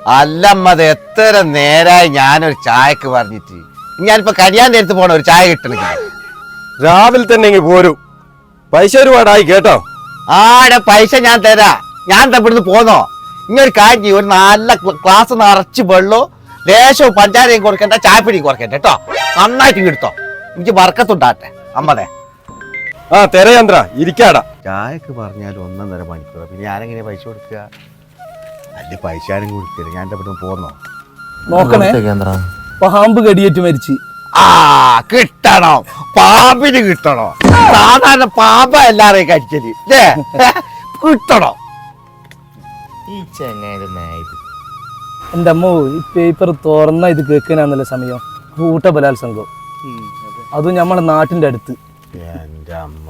അല്ലമ്മത് എത്ര നേരായി ഞാനൊരു ചായക്ക് പറഞ്ഞിട്ട് ഞാനിപ്പോ കരിയാന്റെ അടുത്ത് പോണ ഒരു ചായ കിട്ടണെങ്കിൽ രാവിലെ തന്നെ ഇങ്ങ് പോരൂ. പൈസ ഒരുപാടായി കേട്ടോ. ആടെ പൈസ ഞാൻ തരാ. ഞാൻ ഇവിടുന്ന് പോന്നോ? ഇങ്ങൊരു കാര്യം ഒരു നല്ല ക്ലാസ് നിറച്ച് വെള്ളവും ലേശവും പഞ്ചാരയും കൊടുക്കണ്ട, ചായപ്പിടിയും കൊടുക്കണ്ട കേട്ടോ. നന്നായിട്ട് എടുത്തോ. എനിക്ക് വർക്കത്തുണ്ടാട്ടെ അമ്മതേ. ആ തെരയന്ത്ര ഇരിക്കാടാ. ചായക്ക് പറഞ്ഞാൽ 1.5 മണിക്കൂർ. പിന്നെ ഞാനെങ്ങനെ പൈസ കൊടുക്കുക? അല്ല പൈസ ആരും കൊടുക്കില്ല. ഞാൻ ഇവിടുന്ന് പോന്നോ? നോക്കണേ, പാമ്പ് കടിയേറ്റ് മരിച്ച്. ആ കിട്ടണോ? പാമ്പിന് കിട്ടണോ? സാധാരണ പാമ്പ എല്ലാരെയും കടിച്ചത് കിട്ടണോ? ഈ ചെങ്ങായത് എന്റെ അമ്മ ഈ പേപ്പർ തുറന്ന ഇത് കേൾക്കാനാന്നല്ലേ സമയം. കൂട്ട ബലാത്സംഗം, അതും നമ്മളെ നാട്ടിന്റെ അടുത്ത്. എന്റെ അമ്മ,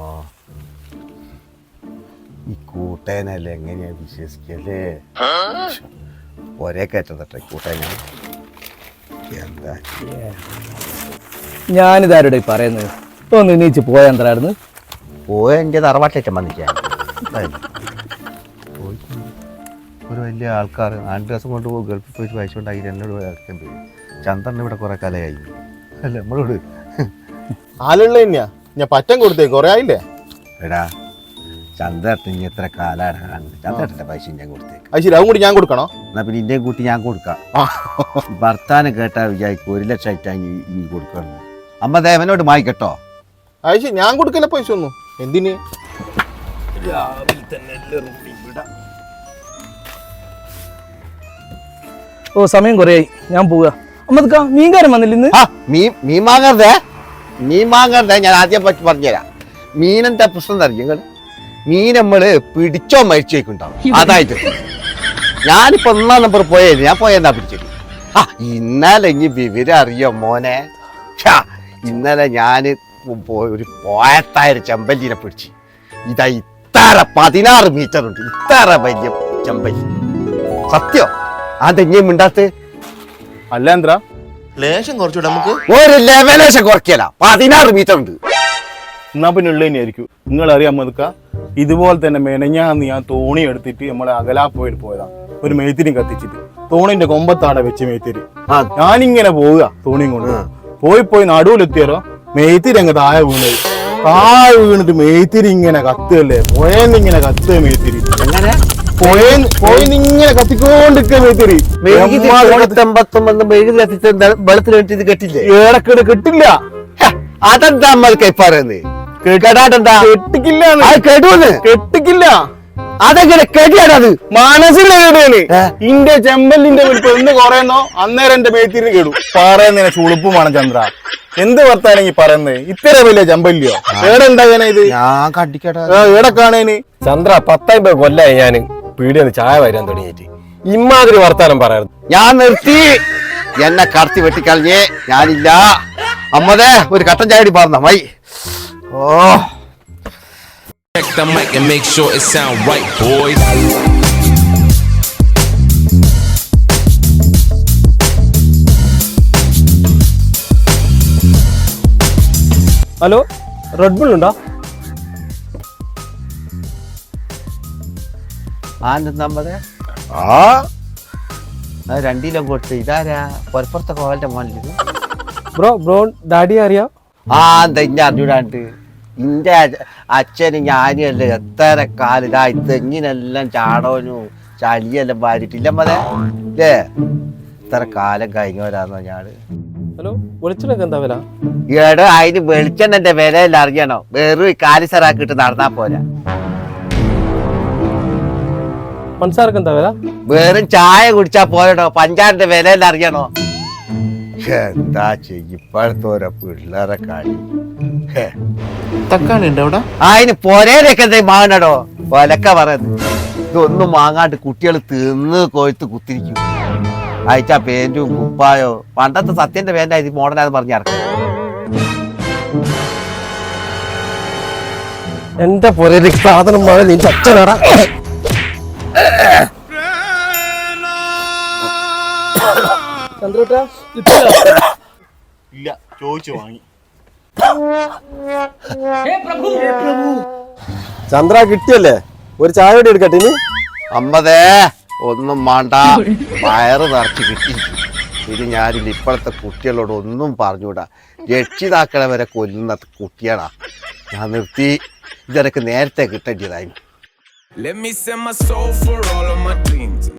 ഈ കൂട്ടേനല്ലേ എങ്ങനെയാ വിശ്വസിക്കല്ലേ? ഒരേ കയറ്റം തട്ടെ കൂട്ടേന. എന്താ ഞാനിതാരുടെ പറയുന്നത്? ഒന്ന് നീച്ച് പോയെന്തായിരുന്നു? പോയ എൻ്റെ തറവാട്ടേറ്റം വന്നിക്കാൻ ഒരു വലിയ ആൾക്കാർ 2 ദിവസം കൊണ്ട് ഗൾഫിൽ പോയിട്ട് പൈസ ഉണ്ടാക്കിയിട്ട് എന്നോട് ഇറക്കാൻ പോയി. ചന്ദ്രൻ ഇവിടെ കുറെ കാലമായി അല്ല നമ്മളോട് ആളുള്ള തന്നെയാ ഞാൻ പറ്റം കൊടുത്തേ കുറെ ആയില്ലേ. എടാ ചന്ദ്രേട്ടൻ ഇനി എത്ര കാലാണ്? ചന്ദ്രേട്ടൻ്റെ പൈസ ഞാൻ കൊടുത്തേക്ക്. അത് ശരി, അതും കൂടി ഞാൻ കൊടുക്കണോ? എന്നാ പിന്നെ ഇന്നേം കൂട്ടി ഞാൻ കൊടുക്കാം. ഭർത്താനം കേട്ടാ വിചാരിക്കും 1 ലക്ഷം ആയിട്ടാണ് ഇനി കൊടുക്കണം. അമ്മ ദേവനോട് വാങ്ങിക്കട്ടോ. അത് ശരി, ഞാൻ കൊടുക്കല പൈസ ഒന്നും. എന്തിന്? ഓ സമയം കുറേയായി, ഞാൻ പോവുക. അമ്മ മീൻകാരൻ വന്നില്ല ഇന്ന്? മീൻ വാങ്ങരുതേ, മീൻ വാങ്ങരുതേ. ഞാൻ ആദ്യം പറ്റി പറഞ്ഞുതരാം. മീനെന്താ പ്രശ്നം അറിയാം? മീൻ നമ്മള് പിടിച്ചോ മരിച്ചേക്കുണ്ടാവും. അതായിട്ട് ഞാനിപ്പോ 1-ാം നമ്പർ പോയത്. ഞാൻ പോയെന്നാ പിടിച്ചത്. ഇന്നലെ ഇനി വിവരം അറിയോ മോനെ? ഇന്നലെ ഞാന് ഒരു പോയത്തായൊരു ചെമ്പല്ലിനെ പിടിച്ച്. ഇതാ ഇത്ര 16 മീറ്റർ ഉണ്ട്, ഇത്ര വലിയ ചെമ്പല്ലി. സത്യം അതെങ്ങനെയും മിണ്ടാത്ത അല്ല എന്താ ലേശം കുറച്ചുകൂടെ നമുക്ക് ഒരു ലെവലേശം കുറയ്ക്കല. 16 മീറ്റർ ഉണ്ട്. എന്നാ പിന്നെ ഉള്ള തന്നെയായിരിക്കും. നിങ്ങൾ അറിയാൻ മതുക്ക ഇതുപോലെ തന്നെ മെനഞ്ഞാന്ന് ഞാൻ തോണി എടുത്തിട്ട് നമ്മളെ അകലാപ്പോയിൽ പോയതാ. ഒരു മേത്തിരി കത്തിച്ചിട്ട് തോണിന്റെ കൊമ്പത്താടെ വെച്ച് മേത്തിരി. ഞാനിങ്ങനെ പോവുക തോണിയും കൊണ്ട് പോയി നടുവിലെത്തിയാലോ മേത്തിരി അങ്ങ് താഴെ വീണിട്ട് മേത്തിരി ഇങ്ങനെ കത്തുകല്ലേ. പോയെന്നിങ്ങനെ കത്തുക മേത്തിരി. അങ്ങനെ പോയിങ്ങനെ കത്തിക്കൊണ്ടിരിക്കുക മേത്തിരി. വെള്ളത്തിൽ കെട്ടില്ലേ? ഏടക്കേട് കെട്ടില്ല. അതെന്താ നമ്മൾ കൈപ്പാറുന്നത്? കെട്ടിക്കില്ല. അതെങ്ങനെ കെടിയാണത്? മനസ്സിലെ കേടുകയാണ്. ഇന്റെ ചെമ്പല്ലിന്റെ വലിപ്പം എന്ന് കുറയുന്നോ അന്നേരം എന്റെ മേത്തിരി കേടു. പറയുന്നതിനെ ചുളുപ്പുമാണ് ചന്ദ്ര. എന്ത് വർത്താനെങ്കിൽ പറയുന്നത്? ഇത്ര വലിയ ചെമ്പല്ലിയോ? ഏടെണ്ടാകാനാ ഇത്? ഞാൻ കണ്ടിക്കട്ടെ. ഏടെ കാണേന്? ചന്ദ്ര 19 കൊല്ലായി ഞാൻ പീടിയെന്ന് ചായ വരാൻ തുടങ്ങിയിട്ട്. ഇമ്മാതിരി വർത്താനം പറയാറ്. ഞാൻ നിർത്തി. എന്നെ കടത്തി വെട്ടിക്കളഞ്ഞേ. ഞാനില്ല. അമ്മതേ ഒരു കട്ടൻ ചായടി പറഞ്ഞ മൈ. Oh Check the mic and make sure it sound right, boys. Hello, red bull ഉണ്ടോ? നമ്മതേ 2 കിലോ കൊടുത്ത്. ഇതാരാ? പുറപ്പുറത്തെ കോവലിന്റെ മോനിൽ. ബ്രോ ഡാഡി അറിയാം? എന്താ ഇന്നെ അറിഞ്ഞൂടാണ്ട്? ഇന്റെ അച്ഛനും ഞാനും അല്ലേ എത്ര കാലം ഇതാ തെങ്ങിനെല്ലാം ചാടോനും ചളിയെല്ലാം വാരിട്ടില്ല മതേ അല്ലേ? ഇത്ര കാലം കഴിഞ്ഞവരാന്നോ ഞാട്? ഹലോ, വെളിച്ചെണ്ണക്ക് എന്താ വില? ഏടോ അതിന് വെളിച്ചെണ്ണന്റെ വിലയെല്ലാം അറിയണോ? വെറും കാലിസറാക്കിട്ട് നടന്നാ പോരാ. പഞ്ചസാരക്ക് എന്താ വില? വെറും ചായ കുടിച്ചാ പോരടോ, പഞ്ചാരിന്റെ വിലയെല്ലാം അറിയണോ? എന്താ ഇപ്പോഴത്തെ ഓരോ പിള്ളേരെ കളി. തക്കാളി ഉണ്ട് അവിടെ? അതിന് പൊരേലൊക്കെ എന്താ വാങ്ങണടോ? വിലക്ക പറയുന്നത്. ഇതൊന്നും വാങ്ങാണ്ട് കുട്ടികൾ തിന്ന് കൊഴുത്ത് കുത്തിരിക്കും. അയച്ചാ പേന്റും കുപ്പായോ പണ്ടത്തെ സത്യന്റെ പേന്റാ ഇത് മോഡലാന്ന് പറഞ്ഞിറക്കും. എന്റെ പുരയിലേക്ക് സാധനം മഴ നിന്റെ അച്ഛനാടാ. ചന്ദ്രേട്ടാ ഇല്ല, ചോദിച്ചു വാങ്ങി. ചന്ദ്ര കിട്ടിയല്ലേ? ഒരു ചായ കൂടി എടുക്കട്ടെ. ഇനി അമ്മതേ ഒന്നും വേണ്ട, വയറ് നിറച്ച് കിട്ടി. ഇത് ഞാനില്ല. ഇപ്പോഴത്തെ കുട്ടികളോട് ഒന്നും പറഞ്ഞുകൂടാ. രക്ഷിതാക്കളെ വരെ കൊല്ലുന്ന കുട്ടികളാ. ഞാൻ നിർത്തി. ഇതെനിക്ക് നേരത്തെ കിട്ടേണ്ടതായിരുന്നു. Let me send my soul for all of my dreams.